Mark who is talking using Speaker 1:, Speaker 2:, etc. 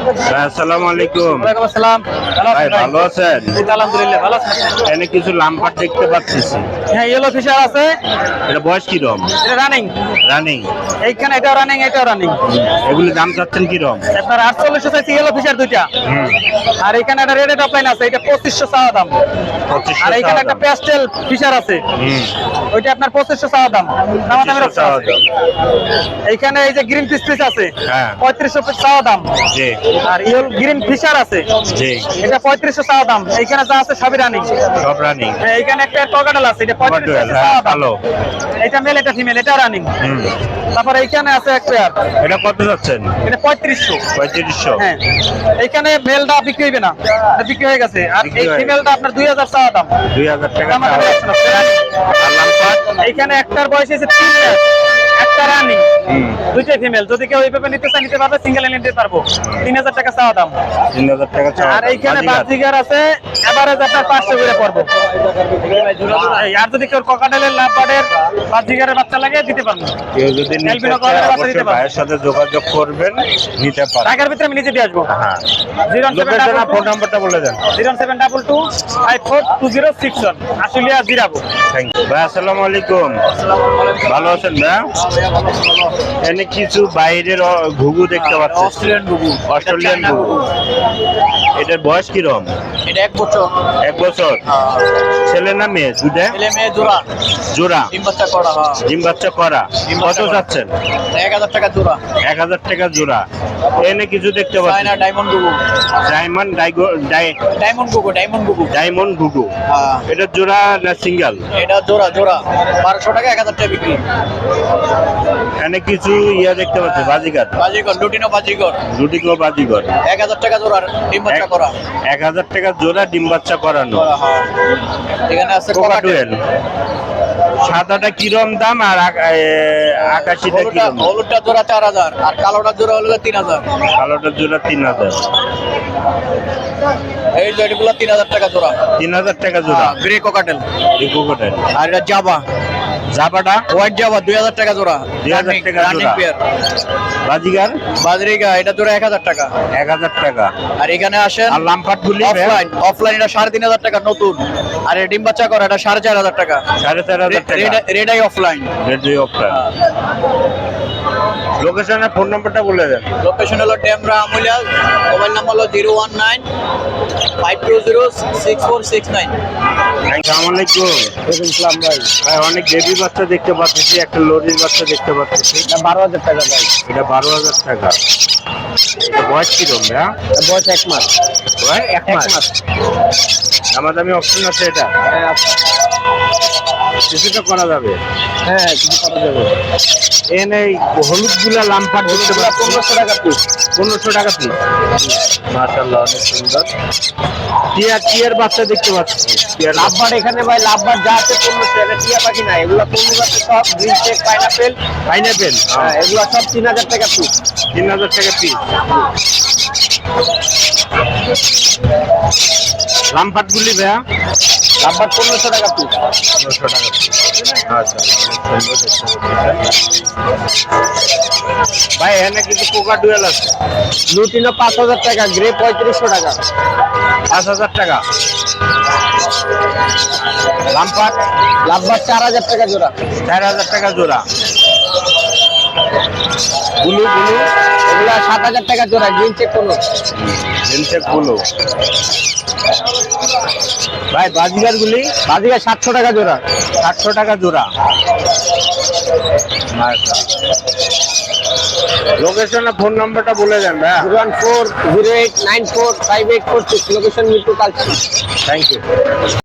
Speaker 1: আসসালামু আলাইকুম।
Speaker 2: ওয়ালাইকুম আসসালাম।
Speaker 1: ভাই ভালো আছেন?
Speaker 2: আলহামদুলিল্লাহ ভালো আছেন?
Speaker 1: এখানে কিছু লাম্পার দেখতে পাচ্ছি।
Speaker 2: হ্যাঁ, ইয়েলো ফিশার আছে।
Speaker 1: এটা বয়স কিরম?
Speaker 2: এটা রানিং।
Speaker 1: রানিং।
Speaker 2: এইখানে এটাও রানিং, এটাও রানিং।
Speaker 1: এগুলি দাম চাচ্ছেন কিরম?
Speaker 2: আপনার 4800 চাইছে ইয়েলো ফিশার দুইটা। আর এখানে একটা রেড টপলাইন আছে, এটা 2500 চাওয়া দাম।
Speaker 1: 2500
Speaker 2: আর এখানে একটা প্যাস্টেল ফিশার আছে, ওইটা আপনার 2500 চাওয়া দাম। দামাদামের অপশন আছে। এইখানে এই যে গ্রিন পিস আছে,
Speaker 1: হ্যাঁ
Speaker 2: 3500 চাওয়া দাম।
Speaker 1: জি
Speaker 2: আর ইয়েলো গ্রিন ফিশার আছে,
Speaker 1: জি,
Speaker 2: এটা 3500 চাওয়া দাম। এইখানে যা আছে সবই রানিং।
Speaker 1: সব রানিং।
Speaker 2: এইখানে একটা টর্গাডাল আছে, এটা 3500 চাওয়া দাম।
Speaker 1: ভালো।
Speaker 2: এটা মেল, এটা ফিমেল, এটা রানিং। তারপর এইখানে আছে এক পেয়ার,
Speaker 1: এটা কত যাচ্ছেন?
Speaker 2: এটা 3500।
Speaker 1: 3500।
Speaker 2: হ্যাঁ, এইখানে মেলটা বিক্রি হইবে না, এটা বিক্রি হয়ে গেছে। আর
Speaker 1: বিক্রি
Speaker 2: এই
Speaker 1: হয়ে
Speaker 2: ফিমেলটা আপনার 2000 চাওয়া দাম।
Speaker 1: 2000 টাকা।
Speaker 2: দামাদামি option আছে।
Speaker 1: আর লাম্পার?
Speaker 2: এইখানে একটার বয়স হচ্ছে 3 মাস, একটা রানিং, দুইটাই ফিমেল। যদি কেউ এইভাবে নিতে চায় নিতে পারবে, সিঙ্গেল নিতে পারবো। 3000 টাকা চাওয়া দাম।
Speaker 1: 3000 টাকা চাওয়া।
Speaker 2: আর এইখানে বাজিগার আছে, এভারেজ আপনার 500 করে পড়বো। আর যদি কেউ ককাটেলের লাভবার্ডের বাজিগারের বাচ্চা লাগে দিতে পারবো।
Speaker 1: কেউ যদি নিতে
Speaker 2: এলবিনো
Speaker 1: চায়
Speaker 2: ককাটেলের বাচ্চা দিতে
Speaker 1: অবশ্যই
Speaker 2: পারবো।
Speaker 1: ভাইয়ের সাথে যোগাযোগ করবেন, নিতে পারেন।
Speaker 2: ঢাকার ভিতরে আমি নিজে দিয়ে আসবো।
Speaker 1: হ্যাঁ।
Speaker 2: 07222
Speaker 1: ফোন নাম্বারটা বলে দেন।
Speaker 2: 07222 542061 আশুলিয়া জিরাবো।
Speaker 1: থ্যাংক ইউ ভাই। আসসালামু আলাইকুম। ভালো আছেন ভাই? এখানে কিছু বাইরের ঘুঘু দেখতে পাচ্ছি।
Speaker 2: অস্ট্রেলিয়ান গুগু।
Speaker 1: অস্ট্রেলিয়ান ঘুঘু। এটার বয়স কিরম?
Speaker 2: এটা 1 বছর।
Speaker 1: 1 বছর। ছেলে না মেয়ে? দুটা
Speaker 2: ছেলে মেয়ে জোড়া।
Speaker 1: জোড়া।
Speaker 2: ডিম বাচ্চা করা।
Speaker 1: ডিম বাচ্চা করা। কত যাচ্ছেন?
Speaker 2: 1000 টাকা জোড়া।
Speaker 1: 1000 টাকা জোড়া। এনে কিছু দেখতে পাচ্ছি।
Speaker 2: চায়না ডায়মন্ড গুগু।
Speaker 1: ডায়মন্ড
Speaker 2: ডায়মন্ড গুগু, ডায়মন্ড গুগু।
Speaker 1: ডায়মন্ড ঘুঘু।
Speaker 2: হ্যাঁ,
Speaker 1: এটা জোড়া না সিঙ্গেল?
Speaker 2: এটা জোড়া জোড়া। 1200 টাকা, 1000 টাকা বিক্রি।
Speaker 1: এনে কিছু ইয়া দেখতে পাচ্ছি, বাজিকার।
Speaker 2: বাজিগর, লুটিনো বাজিগর।
Speaker 1: লুটিনো বাজিগর।
Speaker 2: 1000 টাকা জোড়া, ডিম বাচ্চা করা।
Speaker 1: 1000 টাকা জোড়া, ডিম বাচ্চা করানো।
Speaker 2: হ্যাঁ। এখানে আছে
Speaker 1: কোকাটুয়েল। সাদাটা কিরম দাম আর আকাশিটা কিরম?
Speaker 2: হলুদটা জোড়া 4000 আর কালোটা জোড়া হলো 3000।
Speaker 1: কালোটার জোড়া 3000।
Speaker 2: এই জয়গুলো 3000 টাকা জোড়া।
Speaker 1: 3000 টাকা জোড়া।
Speaker 2: Grey cockatiel.
Speaker 1: এই কোকাটেল।
Speaker 2: আর এটা জাবা।
Speaker 1: জাবাটা
Speaker 2: হোয়াইট জাবা 2000 টাকা জোড়া।
Speaker 1: 2000 টাকা
Speaker 2: রানিং
Speaker 1: জোড়া।
Speaker 2: পেয়ার।
Speaker 1: বাজিগার
Speaker 2: বাজরিগা এটা জোড়া 1000 টাকা।
Speaker 1: 1000 টাকা।
Speaker 2: আর এখানে আসেন
Speaker 1: আর লাম্পাট গুলি
Speaker 2: অফলাইন এটা 3500 টাকা নতুন। আর ডিম বাচ্চা করা এটা 4500 টাকা।
Speaker 1: 4500 টাকা।
Speaker 2: Red eye opaline.
Speaker 1: Red opaline. লোকেশনের ফোন নাম্বারটা বলে দেন।
Speaker 2: লোকেশন হলো ডেমরা আমুলিয়া। মোবাইল নাম্বার হলো 019 520 6469।
Speaker 1: আসসালামু আলাইকুম।
Speaker 2: ইসলাম ভাই।
Speaker 1: ভাই অনেক বেবি বাচ্চা দেখতে পাচ্ছি, একটা লরির বাচ্চা দেখতে পাচ্ছি।
Speaker 2: 12000 টাকা ভাই।
Speaker 1: এটা 12000 টাকা। এটা বয়স কিরম ভাইয়া?
Speaker 2: বয়স 1 মাস।
Speaker 1: বয়স 1 মাস। দামাদামি অপশন আছে এটা?
Speaker 2: হ্যাঁ আছে।
Speaker 1: কিছুটা করা যাবে।
Speaker 2: হ্যাঁ, কিছু করা যাবে।
Speaker 1: এনে হলুদ গুলা লাম্পার দেখতে পাচ্ছি।
Speaker 2: 1500 টাকা পিস।
Speaker 1: 1500 টাকা পিস। মাশাআল্লাহ, অনেক সুন্দর। টিয়ার বাচ্চা দেখতে পাচ্ছি।
Speaker 2: লাভবার এখানে ভাই লাভবার যা আছে 1500। এটা টিয়া পাখি না, এগুলা পূর্ণিমা আছে সব গ্রিন চেক পাইনাপেল।
Speaker 1: পাইনাপেল।
Speaker 2: হ্যাঁ, এগুলা সব 3000 টাকা পিস।
Speaker 1: 3000 টাকা পিস। লাম্পাট গুলি ভাইয়া?
Speaker 2: লাভবার 1500 টাকা পিস।
Speaker 1: 1500 টাকা পিস। আচ্ছা, অনেক সুন্দর দেখতে পাচ্ছি। ভাই এখানে কিছু কোকাটুয়েল আছে।
Speaker 2: লুটিনো 5000 টাকা, গ্রে 3500 টাকা।
Speaker 1: 5000 টাকা। লাম্পাট
Speaker 2: লাভবার 4000 টাকা জোড়া।
Speaker 1: 4000 টাকা জোড়া। গুলু
Speaker 2: এগুলা 7000 টাকা জোড়া, গ্রিন চেক কোনো।
Speaker 1: জিনসেক গুলো। ভাই বাজিগার গুলি?
Speaker 2: বাজিকা 700 টাকা জোড়া।
Speaker 1: 700 টাকা জোড়া। লোকেশন ফোন নাম্বারটা বলে দেন ভাই।
Speaker 2: 01408945846। Location Mirpur Kalshi.
Speaker 1: Thank you.